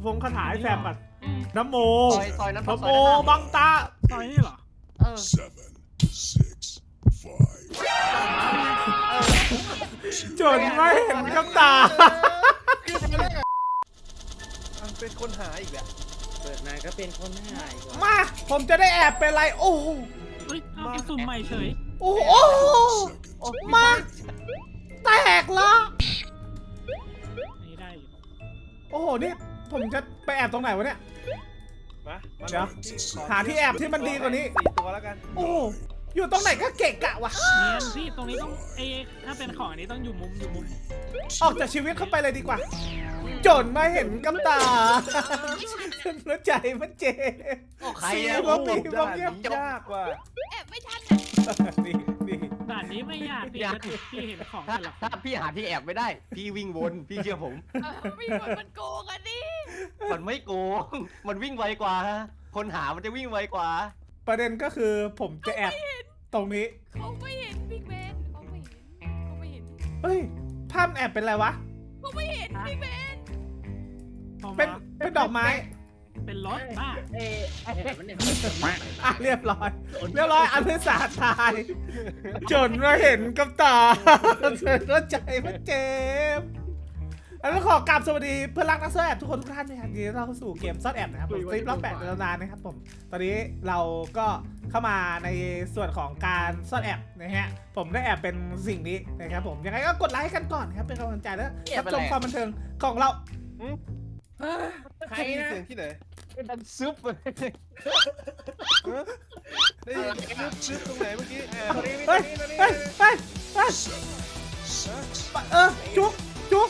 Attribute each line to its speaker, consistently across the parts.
Speaker 1: ฟงคาถาให้แซมก่อนน้ำโม
Speaker 2: ซอยนั้น
Speaker 1: น้ำโมบังตา
Speaker 3: ซอยนี่เหรอ
Speaker 1: จนไม่เห็นกับตา
Speaker 2: เป็นคนหาอีกแหละ
Speaker 4: เปิดมาก็เป็นคนหาย
Speaker 1: มาผมจะได้แอบเป็นไรโอ้โห
Speaker 3: เฮ้ยเอาไปสุ่มใหม่เฉย
Speaker 1: โอ้โหมาแตกละ
Speaker 3: นี่ได้อยู่
Speaker 1: โอ้โหนี่ผมจะไปแอบตรงไหนวะเนี่ย
Speaker 2: มา
Speaker 1: เดี๋ยวหาที่แอบที่มันดีกว่านี้
Speaker 2: 4 ตัวแล้วกัน
Speaker 1: โอ้โหอยู่ตรงไหนก็เกะกะวะ
Speaker 3: เนียนพี่ตรงนี้ต้องถ้าเป็นของอันนี้ต้องอยู่มุม
Speaker 1: ออกจากชีวิตเข้าไปเลยดีกว่า จนมาเห็นกับตาแล้วใจมันเจ็บ
Speaker 2: ใคร
Speaker 1: สี
Speaker 2: อะ
Speaker 1: ก็มี
Speaker 2: ด่า
Speaker 1: บาง
Speaker 2: น
Speaker 1: เงียบ
Speaker 2: นี้ยากว่ะ
Speaker 5: แอบไม่ทัน
Speaker 1: นี่นี่
Speaker 3: ด่านนี้ไม่ยากพี่พี่เห็นของ
Speaker 4: ถ้า
Speaker 3: แต่ละ
Speaker 4: ถ้าพี่หาที่แอบไม่ได้ พี่วิ่งวนพี่เชื่อผม
Speaker 5: มีคนมันโกงกันดิ
Speaker 4: มันไม่โกงมันวิ่งไวกว่าคนหามันจะวิ่งไวกว่า
Speaker 1: ประเด็นก็คือผมจะแอบตรงนี้
Speaker 5: เขาไม่เห็นบิ๊กแมนเขาไม่เห็นเขาไม่เห็น
Speaker 1: เฮ้ยภาพแอบเป็นอะไรวะ
Speaker 5: เขาไม่เห็นบิ๊กแมน
Speaker 1: เป็นดอกไม้
Speaker 3: เป็นรถบ้า
Speaker 1: อ่ะเรียบร้อยอภิสาตาย จนมาเห็นกับตาแล้วใจมันเจ็บแล้วขอกราบสวัสดีเพื่อนรักนักซ่อนแอบทุกคนทุกท่านนะครับยินดีต้อนรับเข้าสู่เกมซ่อนแอบนะครับผมคลิปรอบ8ในตำนานนะครับผมตอนนี้เราก็เข้ามาในส่วนของการซ่อนแอบนะฮะผมได้แอบเป็นสิ่งนี้นะครับผมยังไงก็กดไลค์กันก่อนครับเป็นกำลังใจแล้วรับชมความบันเทิงของเรา
Speaker 2: ใครนะเสียงที่ไหน
Speaker 4: เป็นดันซุปเลย
Speaker 2: ได้ยินชึบตรงไหนเมื่อกี้
Speaker 1: เฮ้ยจุก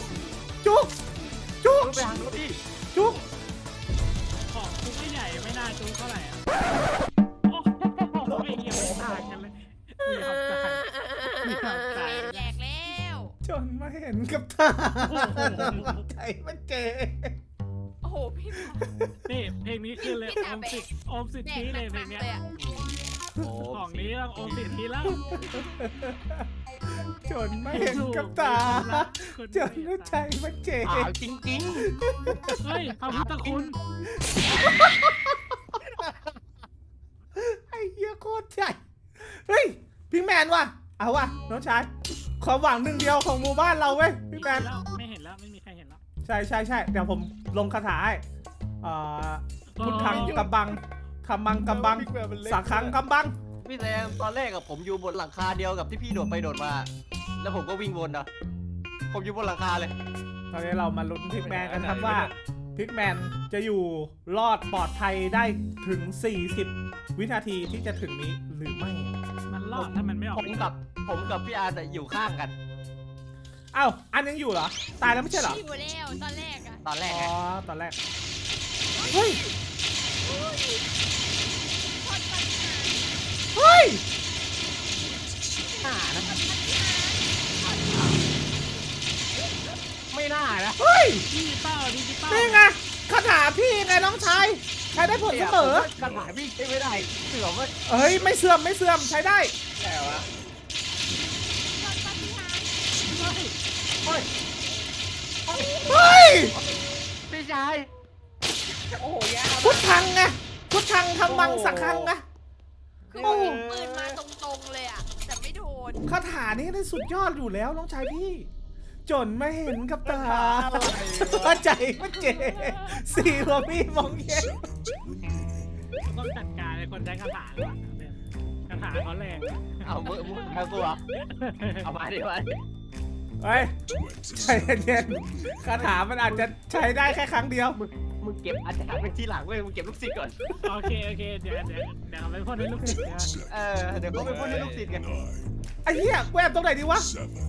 Speaker 4: ไปทางนู้นดิ
Speaker 1: จุก
Speaker 3: ของคุกใหญ่ไม่น่าจูเท่าไหร่อ่ะโอ้โหไม่เกี่ยวไม่ต่างกันเลยมีความต่างมีความต่าง
Speaker 5: แยกแล้ว
Speaker 1: จนมาเห็นกับตาใจมันเจ็บ
Speaker 5: โอ้โหพี่
Speaker 3: นี่เพลงนี้คือเลยโอมสิทธิเลยเพลงเนี้ย
Speaker 4: โอ้
Speaker 3: ของนี้ต้องโอมสิทธิแล้ว
Speaker 1: จนมาเห็นกับตาจนแล้วใจมันเจ็บ
Speaker 4: ขาวจริง
Speaker 3: เฮ้ยพระพุทธคุณ
Speaker 1: ไอ้เหี้ยโคตรใหญ่เฮ้ยพิงแมนว่ะเอาว่ะน้องชายความหวังหนึ่งเดียวของหมู่บ้านเราเว้ยพิงแมน
Speaker 3: ไม่เห็นแล้วไม่มีใครเห็นแล้ว
Speaker 1: ใช่เดี๋ยวผมลงคาถาให้พุทธังกำบังธรรมังกำบังสังฆังกำบัง
Speaker 4: ๆพี่แซมตอนแรกกับผมอยู่บนหลังคาเดียวกับที่พี่โดดไปโดดมา แล้วผมก็วิ่งวนนะผมอยู่บนหลังคาเลย
Speaker 1: ตอนนี้เรามาลุ้นพิกแมนกันครับว่าพิกแมนจะอยู่รอดปลอดภัยได้ถึง40วินาทีที่จะถึงนี้หรือไม่
Speaker 3: มันรอดถ้ามันไม่ออก
Speaker 4: ผมกับพี่อาร์ตอยู่ข้างกัน
Speaker 1: เอ้าอันยังอยู่เหรอตายแล้วไม่ใช่เหรอ
Speaker 5: อยู่แล้วตอนแรกอะ
Speaker 4: ตอนแรก
Speaker 1: อ๋อ
Speaker 4: อะ
Speaker 1: ตอนแรกเฮ้ย
Speaker 5: พอดปัญหา
Speaker 1: เฮ้ย
Speaker 4: หน้านะไม่น่านะ
Speaker 1: เฮ้ย
Speaker 3: ดิจิตอล
Speaker 1: นี่ไงคาถาพี่ไงน้องชายใช้ได้ผลเสมอ
Speaker 4: กระถางพี่ใช้ไม่ได้เสือว่า
Speaker 1: เฮ้ยไม่เสื่อมใช้ได้
Speaker 2: แต่วะ
Speaker 5: พอดปัญหา
Speaker 4: เฮ้ย
Speaker 1: เฮ้ย
Speaker 4: พี่ชาย
Speaker 2: โอ้โหยาก
Speaker 1: พุทธังไงพุทธังทำมังสักครั้งไง
Speaker 5: คือ
Speaker 1: โอ้
Speaker 5: ยิงปืนมาตรงๆเลยอะแต่ไม่โดน
Speaker 1: คาถานี้ได้สุดยอดอยู่แล้วน้องชายพี่ จนไม่เห็นกับตาใจมันเจ็บสีหัวพี่มองเห็น
Speaker 3: ต้องจัดการไอ้คนใช้คาถาก่อนคาถาเขาแรง
Speaker 4: เอามือเอาตัวเอามาดิมาดิ
Speaker 1: เฮ้ยใจเย็นๆคาถามันอาจจะใช้ได้แค่ครั้งเดียว
Speaker 4: มึงเก็บอาจารย์ไปที่หลังเว้ยมึงเก็บลูกศิษย์ก่อน
Speaker 3: โอเคเดี๋ยวเอาไปพ่นให้ลูกศิษย์นะ
Speaker 4: เดี๋ยวเขาไปพ่นให้ลูกศิษย์กัน
Speaker 1: ไอ้เหี้ยแวบตรงไหนดีวะ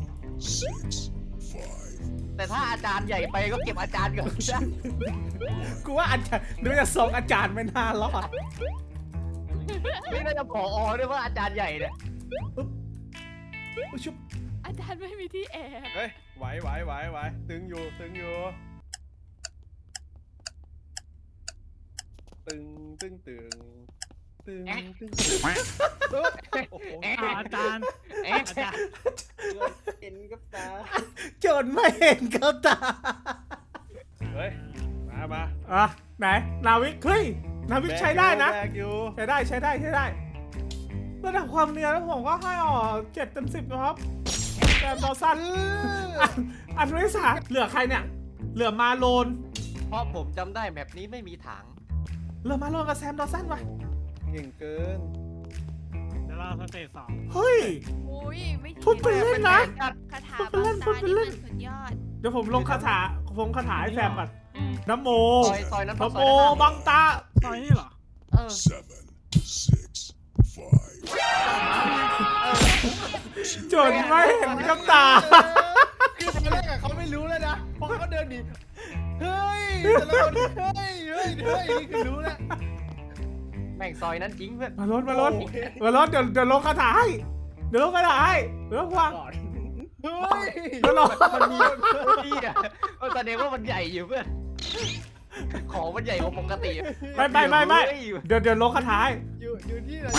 Speaker 4: แต่ถ้าอาจารย์ใหญ่ไปก็เก็บอาจารย์ก่อนนะ
Speaker 1: กูว่าอาจารย์ดูจะส่งอาจารย์ไม่น่ารอด
Speaker 4: นี่น่าจะผอด้วยว่าอาจารย์ใหญ่เนี่ย
Speaker 1: อุ๊ยชุบ
Speaker 5: อาจารย์ไม่มีที่แอบ
Speaker 2: เฮ้ยไหวตึงอยู่ตึงโอ้โห
Speaker 3: อาจารย์
Speaker 4: เห็นกับตา
Speaker 1: จนไม่เห็นกับตา
Speaker 2: เฮ้ยมา
Speaker 1: อ่ะไหนนาวิกเฮ้ยนาวิกใช้ได้นะ
Speaker 2: แบกอยู่
Speaker 1: ใช้ได้ระดับความเนียนแล้วผมก็ให้7/10นะครับแต่ต่อสั้นอันไม่สาเหลือใครเนี่ยเหลือมาโลน
Speaker 4: เพราะผมจำได้แมปนี้ไม่มีถัง
Speaker 1: เหลือมาโลนกับแซมดอสันวะ
Speaker 2: เก่งเกิน
Speaker 3: เดี๋ยวรอสเตจสอง
Speaker 1: เฮ้ย
Speaker 5: อุ้ยไม่
Speaker 1: พูดไปเล่นนะ
Speaker 5: คาถา
Speaker 1: พูดไปเล่น
Speaker 5: บางตา
Speaker 1: พูดไปเล่น
Speaker 5: มันสุดยอด
Speaker 1: เดี๋ยวผมลงคาถาให้แซมก่อนนะโม
Speaker 4: ซอยนั้น
Speaker 1: นะ
Speaker 4: ซ
Speaker 1: โม
Speaker 4: อยนั้น
Speaker 1: บังตา
Speaker 3: ตอนนี้เหรอ
Speaker 4: เออ
Speaker 1: จนไม่เห็นกับตา
Speaker 2: คือตอนแรกอะเขาไม่รู้เลยนะเพราะเขาเดินหนีเฮ้ยแต่ละคนเฮ้ยนี่คือรู้แล้ว
Speaker 4: แม่งซอยนั้นจริงเพื่อน
Speaker 1: มาลดเดี๋ยวลงคาถาให้เดี๋ยวลงคาถาให้เดี๋ยววาง
Speaker 2: ก่อนเฮ้ย
Speaker 1: เดี๋ยวลง
Speaker 4: มันมีพี่อะมันแสดงว่ามันใหญ่อยู่เพื่อนของมันใหญ่กว่าปกติ
Speaker 1: ไม่เดี๋ยวลงคาถาให้
Speaker 2: อยู่ที่ไหน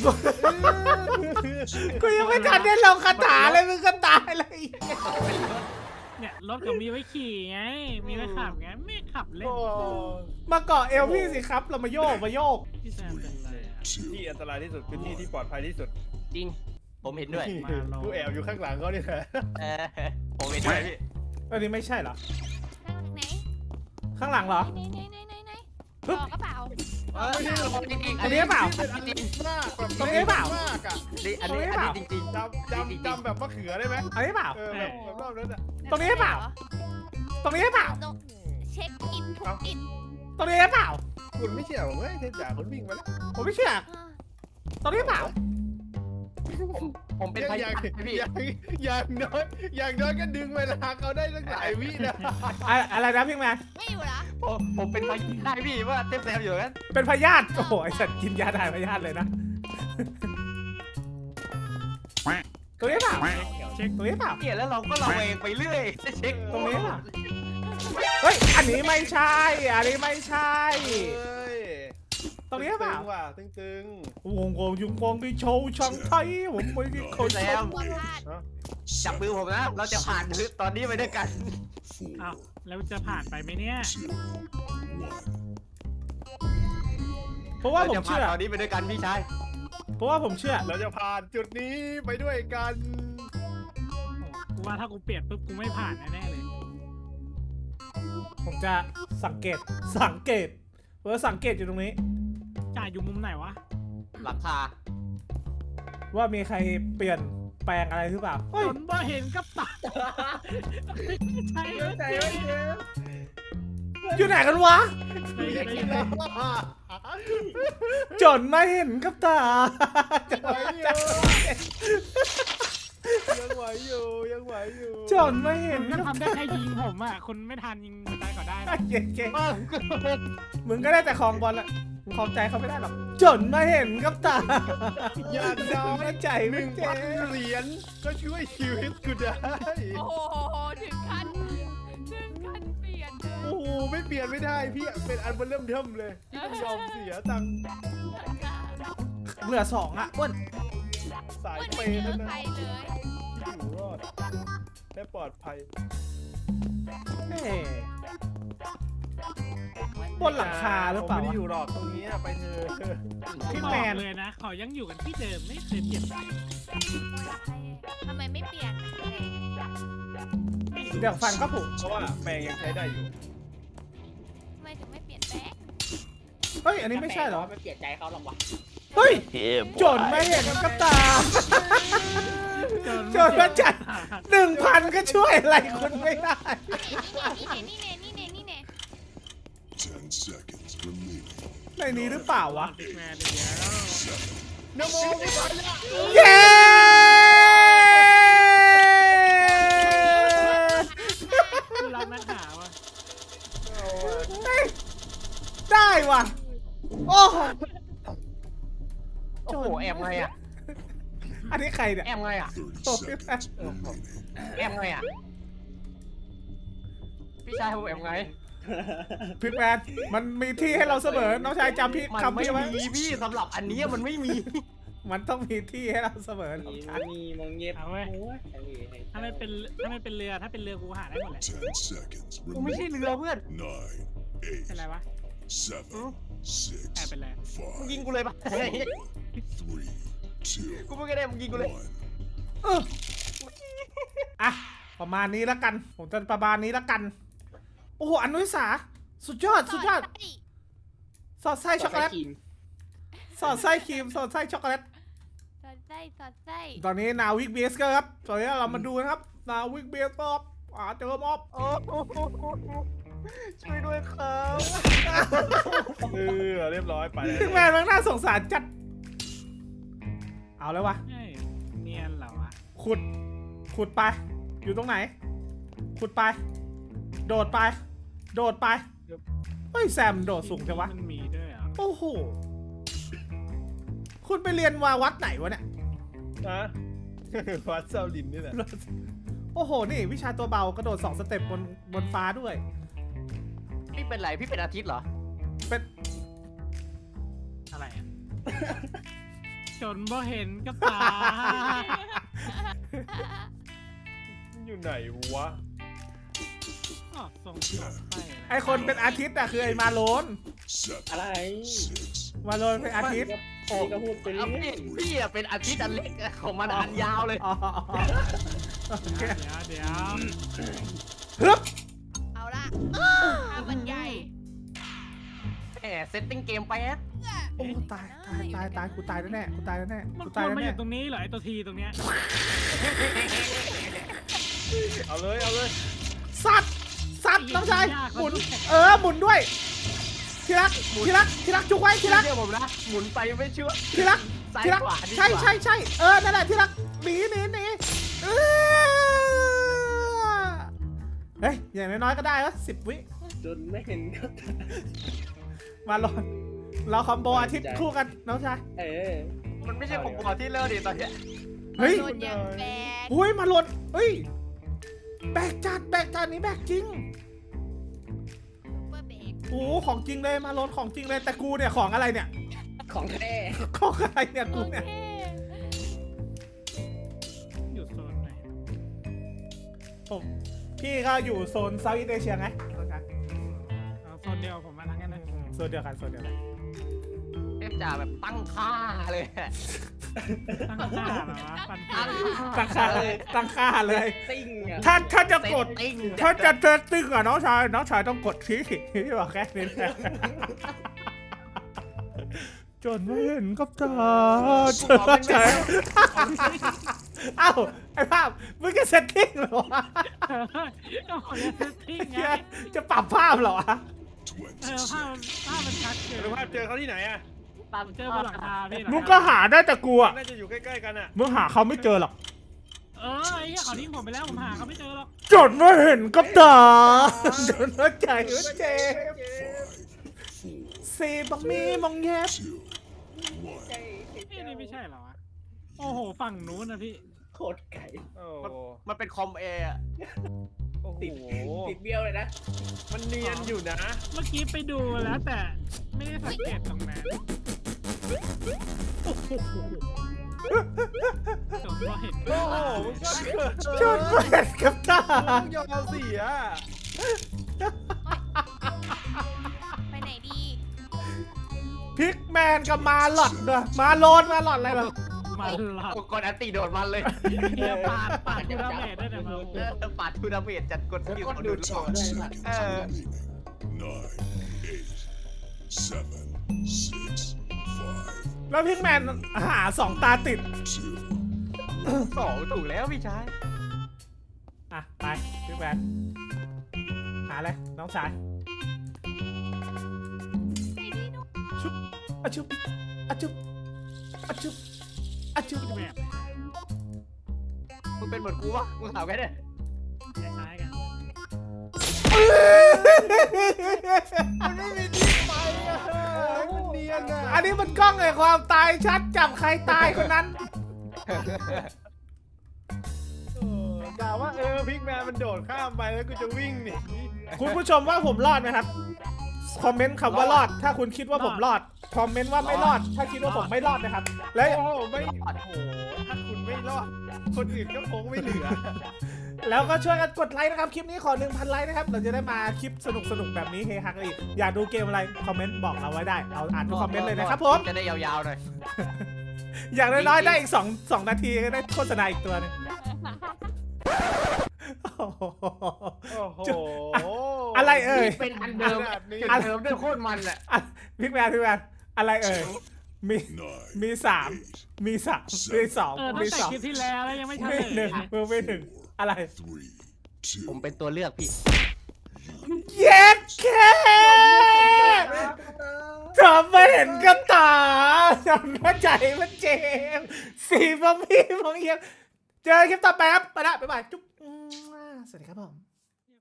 Speaker 1: กูยังไม่ทันได้ลงคาถาเลยมึงก็ตายเลย
Speaker 3: เนี่ยรถก็มีไว้ขี่ไง มีไว้ขับไง ไม่ขับเล่น
Speaker 1: มาเกาะเอวพี่สิครับ เรามาโยก
Speaker 3: พี่แซมเป็นอะไรอะ
Speaker 2: ที่อันตรายที่สุดคือที่ที่ปลอดภัยที่สุด
Speaker 4: จริง ผมเห็นด้วย
Speaker 2: กูแอบอยู่ข้างหลังเขาเนี่ยแหละ
Speaker 4: เออผมเห็นด้วยพี่
Speaker 1: อันนี้ไม่ใช่เหรอ
Speaker 5: ไหน
Speaker 1: ข้างหลังเหรอ
Speaker 5: ไหนบอกกระเป๋า
Speaker 4: เออจริงๆ
Speaker 1: อันนี้เปล่า
Speaker 4: จริง
Speaker 2: มากแบบ
Speaker 1: ตรงนี้เปล่า
Speaker 2: มากอะ
Speaker 4: ๆอันนี้จริง
Speaker 2: จำแบบมะเขือได้ไหม
Speaker 1: อันนี้เปล่า
Speaker 2: แบบรอบนั้นอะ
Speaker 1: ตรงนี้เปล่า ตรงนี้เปล่า
Speaker 5: เช็คอินทุกอิน
Speaker 1: ตรงนี้เปล่า
Speaker 2: คุณไม่เชื่อผมเฮ้ยเทพจ่าคนวิ่งมาแล้ว
Speaker 1: ผมไม่เชื่อ ตรงนี้เปล่า
Speaker 4: ๆผมเป็นพยานพี่
Speaker 2: อย่างน้อยก็ดึงเวลาเขาได้ตั้งหลายวินะ
Speaker 1: อะไรนะพี่แมน
Speaker 5: ไม่อยู่ละ
Speaker 4: ผมเป็นพยานได้พี่ว่าเทพแซมอยู่กัน
Speaker 1: เป็นพยาธิโอ้โหไอสัตว์กินยาถ่ายพยาธิเลยนะ ตรงนี้เปล่า
Speaker 3: เช็ค
Speaker 1: ตรงนี้เปล่า
Speaker 4: เนี่ยแล้วเราก็ระแวงไปเรื่อยเช็ค
Speaker 1: ตรงนี้เปล่า เฮ้ย อันนี้ไม่ใช่ ตรงนี้เปล่า
Speaker 2: ว่ะตึง
Speaker 1: วงยุงวงที่โชว์ช่างไทยผมไม่ได้เคย
Speaker 4: แซม
Speaker 5: หัวพลาด
Speaker 4: จับมือผมนะ เราจะผ่านตอนนี้ไปด้วยกัน
Speaker 3: อ้าวแล้วจะผ่านไปไหมเนี่ย
Speaker 1: เพราะว่า
Speaker 4: เรา
Speaker 1: ผม
Speaker 4: จะผ่าน
Speaker 1: เชื่อ
Speaker 4: ตอนนี้ไปด้วยกันพี่ชาย
Speaker 1: เพราะว่าผมเชื่อ
Speaker 2: เราจะผ่านจุดนี้ไปด้วยกัน
Speaker 3: กูว่าถ้ากูเปลี่ยนปุ๊บกูไม่ผ่านแน่ๆเลย
Speaker 1: ผมจะสังเกตสังเกตอยู่ตรงนี้
Speaker 3: จ่ายอยู่มุมไหนวะ
Speaker 4: หลังคา
Speaker 1: ว่ามีใครเปลี่ยนแปลงอะไรหรือเปล่าเฮ้ย
Speaker 3: จนบ่เห็นกับตาใช่ไหมเจ๊
Speaker 1: อยู่ไหนกันวะ จนไม่เห็นกับตา
Speaker 2: ยังไหวอยู่
Speaker 1: จนไม่เห็น
Speaker 3: ก็
Speaker 1: กับ
Speaker 3: ทำได้แค่ยิงผมอ่ะคนไม่ทันยิงหัวใจก็ได้นะ
Speaker 1: เก่งมึงก็ได้แต่คลองบอลละมึงคลองใจเขาไม่ได้หรอกจนไม่เห็นกับตา
Speaker 2: อย่างน้อย
Speaker 1: ใจ
Speaker 2: ห
Speaker 1: ไม่
Speaker 2: นึ่ง
Speaker 1: เจ๊
Speaker 2: พันเหรียญก็ช่วยชีวิตกูได้
Speaker 5: โอ้โหถึงขั้นเปลี่ยนเลย
Speaker 2: โอ้โหไม่เปลี่ยนไม่ได้พี่เป็นอันเริ่มเทิมเลยที่ต้องยอมเสียตังค์
Speaker 1: เหลือ2อ่ะอ้วน
Speaker 2: สาย
Speaker 5: วัน
Speaker 2: เป
Speaker 5: นี้
Speaker 2: ย์
Speaker 5: เจ
Speaker 2: เท่า
Speaker 5: อ
Speaker 2: นั้น
Speaker 5: ใครเลย
Speaker 2: อยู่รอดและปลอดภัย
Speaker 1: เฮ้บนหลังคาหรือเปล่า
Speaker 2: ผมไม่ได้
Speaker 1: วะ
Speaker 2: อยู่หรอกตรงนี้ไปเถอะ
Speaker 1: พี่
Speaker 3: บ
Speaker 1: แม
Speaker 3: อก
Speaker 1: น
Speaker 3: เลยนะเขายังอยู่กันที่เดิมไม่เคยเปลี่ยนไป
Speaker 5: ทำไมไม่เปลี่ยนเลย
Speaker 1: เดี๋ยวฟันก็ผุ
Speaker 2: เพราะว่าแปลงยังใช้ได้อยู่
Speaker 5: ทำไมถึงไม่เปลี่ยนแปลง
Speaker 1: เฮ้ยอันนี้ไม่ใช่เหรอ
Speaker 6: ไม่เปลี่ยนใจเขาหรอกวะ
Speaker 1: เฮ้ยจนไม่เห็นกับตา จนมาจัด 1,000 ก็ช่วยอะไรคุณไม่ได้
Speaker 5: นี่เน่
Speaker 7: 10 seconds remaining.
Speaker 1: ในนี้หรือเปล่าวะ
Speaker 3: บิ๊กแมนเดียว
Speaker 2: นโมไม่ทันละ
Speaker 1: เย้
Speaker 3: คือเรานักหาวะ
Speaker 1: ได้ว่ะ โอ้โห
Speaker 4: โอ้โหแอบไงอ่ะ
Speaker 1: อันนี้ใครเนี่ย
Speaker 4: แอบไงอ่ะ
Speaker 7: 30 seconds remaining.
Speaker 4: แอบไงอ่ะ พี่ชายผมแอบไง
Speaker 1: พิกแมนมันมีที่ให้เราเสมอ น้องชายจำพี่
Speaker 4: มัน
Speaker 1: คำ
Speaker 4: ไม่
Speaker 1: พี่ไว้
Speaker 4: มีพี่สำหรับอันนี้มันไม่มี
Speaker 1: มันต้องมีที่ให้เราเสมอน้อง
Speaker 6: มี
Speaker 1: ชาย
Speaker 6: มีมงเย็บ
Speaker 3: เอาเว้ย
Speaker 6: โอ้ย
Speaker 3: ถ้าไม่เป็นเรือถ้าเป็นเรือกูหาได้หมดแหละ
Speaker 7: 10 seconds
Speaker 4: กูไม่ใช่
Speaker 7: remaining.
Speaker 4: เรือเพื่อน
Speaker 7: 9,
Speaker 3: เป็นไรวะ
Speaker 7: 7,
Speaker 3: แอบเป็น
Speaker 7: 6,
Speaker 3: ไร
Speaker 4: มึงยิง
Speaker 7: 5,
Speaker 4: กูเลยปะ
Speaker 7: 4,
Speaker 4: กูไม่ได้มึงยิงกูเลย
Speaker 1: อ่ะประมาณนี้แล้วกัน ผมจะประมาณนี้แล้วกัน โอ้โหอนุสาสุดยอดสุดยอด สอดไส้ช็อกโกแลตสอดไส้ครีมสอดไส้ช็อกโกแลต
Speaker 5: สอดไส้สอดไส้
Speaker 1: ตอนนี้นาวิกเบสก็ครับตอนนี้เรามาดูนะครับนาวิกเบสมอบเจอมอบ
Speaker 4: โอ้โหช่วยด้วยครับ
Speaker 2: เรียบร้อยไปเลย
Speaker 1: พิกแมนมันน่าสงสารจัด เอาเลยวะ
Speaker 3: เฮ้ยเนียนเหรอวะ
Speaker 1: ขุดไป อยู่ตรงไหน ขุดไป โดดไป โดดไป เฮ้ยแซมโดดสูงจังวะ
Speaker 3: มันมีด้วยเหรอ
Speaker 1: โอ้โห คุณไปเรียนวาวัดไหนวะเนี่ย
Speaker 2: ฮะวัดเซาลินนี่แหละ
Speaker 1: โอ้โห นี่วิชาตัวเบากระโดด2 สเต็ปบนฟ้าด้วย
Speaker 4: พี่เป็นไรพี่เป็นอาทิตย์เหรอ
Speaker 1: เป็น
Speaker 3: อะไรอะจนบ่เห็นกับตา
Speaker 2: อยู่ไหนวะ
Speaker 3: อ๋อทรงสอดไส้อะ
Speaker 1: ไอคนเป็นอาทิตย์อะคือไอมาโลน
Speaker 7: 7,
Speaker 6: อะไร
Speaker 7: 6,
Speaker 1: มาโลนเป็นอาทิตย์
Speaker 6: นี่ก็พูดไปเรื่
Speaker 4: เอา
Speaker 6: อย
Speaker 4: พี่อะเป็นอาทิตย์อันเล็กของมันอันยาวเลย
Speaker 1: อ๋อโอเค
Speaker 3: เดี๋ยว
Speaker 1: ฮึบ
Speaker 5: เอาละถ้ามันใหญ่
Speaker 4: แหมเซตติ้งเกมแป๊บ
Speaker 1: โอ้ตายกูตายแน่ๆกูตายแน่ๆ
Speaker 3: มัน
Speaker 1: กู
Speaker 3: ค
Speaker 1: ตายว
Speaker 3: รมาอ
Speaker 1: แน่
Speaker 3: ยู่ตรงนี้เหรอไอตัวทีตรงเนี้ย
Speaker 2: เอาเลยเอาเลย
Speaker 1: ๆสัตว์น้องชายหมุนหมุนด้วยทีรักจุกไว้ทีรัก
Speaker 4: เชื่อผมนะหมุนไปไม่เชื่อ
Speaker 1: ทีรัก
Speaker 4: ซ้าย
Speaker 1: ทีรัก
Speaker 4: ขวาดีกว่า
Speaker 1: ใช่นั่นแหละทีรักหนีเฮ้ยอย่างน้อยๆก็ได้วะ10 วิ
Speaker 6: จนไม่เห็นก็ตา
Speaker 1: มาลอนเราคอมโบอาทิตย์คู่กันน้องชาย
Speaker 4: มันไม่ใช่ผมบอกที่เลิศดิตอนเนี้ย
Speaker 1: เฮ้ย
Speaker 5: โดนยังแบก
Speaker 1: อุ้ยมาลอนเฮ้ยแบกจัดนี้แบกจริง
Speaker 5: ซุปเปอร์เบก
Speaker 1: โอ้ของจริงเลยมาลอนของจริงเลยแต่กูเนี่ยของอะไรเนี่ย
Speaker 6: ของแท้
Speaker 1: ของอะไรเนี่ย
Speaker 5: โอ
Speaker 1: กูเนี่ย
Speaker 5: เค
Speaker 3: อยู่โซนไหน
Speaker 1: พี่ก็อยู่โซนเซาท์อีสเอเชียไงน้องชาย
Speaker 3: เอาโซนเดียวผมมาทั้งนั้นเลย
Speaker 1: โซนเดียวกัน
Speaker 4: เทพจ่าแบบตั้งค่าเลย
Speaker 3: ตั้งค่าเหรอวะปัน
Speaker 1: ตั้งค่าเลย
Speaker 6: ติ้งอ่ะ
Speaker 1: ถ้าจะกด
Speaker 4: เซตติ้ง
Speaker 1: ถ้าจะเซตติ้งอะน้องชายต้องกดชี้ที่บอกแค่นี้แหละจนไม่เห็นกับตาจนไม่เห็นเอ้าไอ้ภาพมึงจะเซตติ้งเหรอวะ
Speaker 3: ก็ขอเรียกเซตติ้งไง
Speaker 1: จะปรับภาพเหรอวะ
Speaker 3: ภาพมันชัดเกิน
Speaker 2: ดูภาพเจอเขาที่ไหนอะ
Speaker 4: ตาม
Speaker 3: เจอบนหลังคาพี่
Speaker 1: มึงก็หาได้แต่กูอะ
Speaker 2: น่าจะอยู่ใกล้ๆกันอะ
Speaker 1: มึงหาเขาไม่เจอหรอก
Speaker 3: ไอ้เหี้ยเขาทิ้งผมไปแล้วผมหาเขาไม่เจอหรอก
Speaker 1: จนไม่เห็นกับตาจนว่าใจว่าเจ็บ
Speaker 7: 5,
Speaker 1: สีบักมีมองแยบ
Speaker 7: 4,
Speaker 3: นี่ไม่ใช่เหรอวะโอ้โหฝั่งนู้นนะพี่
Speaker 6: โคตรไก่
Speaker 2: โอ้
Speaker 4: มันเป็นคอมเออะ
Speaker 2: โอ้โห
Speaker 6: ติดเบี้ยวเลยนะ
Speaker 2: มันเนียนอยู่นะ
Speaker 3: เมื่อกี้ไปดูแล้วแต่ไม่ได้สังเกตตรงนั้นจนว่าเห็น
Speaker 2: โอ้โหมึงก็เกิด
Speaker 1: จนไม่เห็นกับตา
Speaker 2: มึงยอมเสีย
Speaker 5: ไปไหนดี
Speaker 1: พิกแมนกับมาหลอดเด้อมาโลนอะไรเหรอ
Speaker 3: มาหลับ
Speaker 4: กดอันตีโดดมันเลย
Speaker 3: เฮียปาดทูดาเมจได้แต่มา
Speaker 4: ปาดทูดาเมจจัดกดสกิล
Speaker 6: ก็
Speaker 4: กด
Speaker 6: ดู
Speaker 4: ดู
Speaker 6: ด
Speaker 4: ด
Speaker 6: ช็อตด้วยสัตว์
Speaker 7: 9, 8, 7, 6, 5,
Speaker 1: แล้วพิกแมนหา2 ตาติด
Speaker 7: 2,
Speaker 4: สองถูกแล้วพี่ชาย
Speaker 1: อ่ะ ไปพิกแมนหาเลยน้องชาย
Speaker 5: ไหนดีนุ๊ก
Speaker 1: ชุบอะชุบอะชุบอะชุบอะชุบ
Speaker 3: แบบ
Speaker 4: มึงเป็นเหมือนกูวะมึงถามแค่เนี่ย
Speaker 3: คล้ายๆกัน
Speaker 2: มันไม่มีที่ไปอะมันเนียนอะ
Speaker 1: อันนี้มันกล้องไงความตายชัดจับใครตายคนนั้น
Speaker 2: กล่าวว่าพิกแมนมันโดดข้ามไปแล้วกูจะวิ่งหนี
Speaker 1: คุณผู้ชมว่าผมรอดไหมครับ คอมเมนต์คำว่ารอด ถ้าคุณคิดว่าผมรอด คอมเมนต์ว่าไม่รอด ถ้าคิดว่าผมไม่รอดนะครับ และ
Speaker 2: โอ้โหไม่โอ้โหถ้าคุณไม่รอด คนอื่นก็คงไม่เหลือ
Speaker 1: แล้วก็ช่วยกันกดไลค์นะครับคลิปนี้ขอ 1,000 ไลค์นะครับเราจะได้มาคลิปสนุกแบบนี้เฮฮากันอีกอยากดูเกมอะไรคอมเมนต์บอกเราไว้ได้เราอ่านทุกคอมเมนต์เลยนะครับผม
Speaker 4: จะได้ยาวๆหน่อย
Speaker 1: อย่างน้อยๆได้อีก2 นาทีก็ได้โฆษณาอีกตัวหนึงโอ้โห
Speaker 2: โอ้โห
Speaker 1: อะไรเอ่ย
Speaker 6: เป็นอันเดิม
Speaker 2: ขนาดนี้
Speaker 6: อันเดิมด้วยโคตรมันแหละ
Speaker 1: อ่ะพิกแมนอะไรเอ่ยมี
Speaker 7: Nine.
Speaker 1: มี3มี2
Speaker 3: ตั้
Speaker 1: มี
Speaker 3: งแต่
Speaker 1: 2
Speaker 3: คลิปที่แล้วแล้วยังไม่ทัน
Speaker 1: มี
Speaker 3: เลย
Speaker 1: 1มี1อะไร
Speaker 7: Three.
Speaker 4: ผม
Speaker 7: Two.
Speaker 4: เป็นตัวเลือกพี่
Speaker 1: เย็ดแค่ทำไม่เห็นกับตาทำเข้าใจมันเจ็บสีบะหมี่บางเยี่ยมเจอคลิปต่อไปครับไปละบ๊ายบายจุ๊บสวัสดีครับผม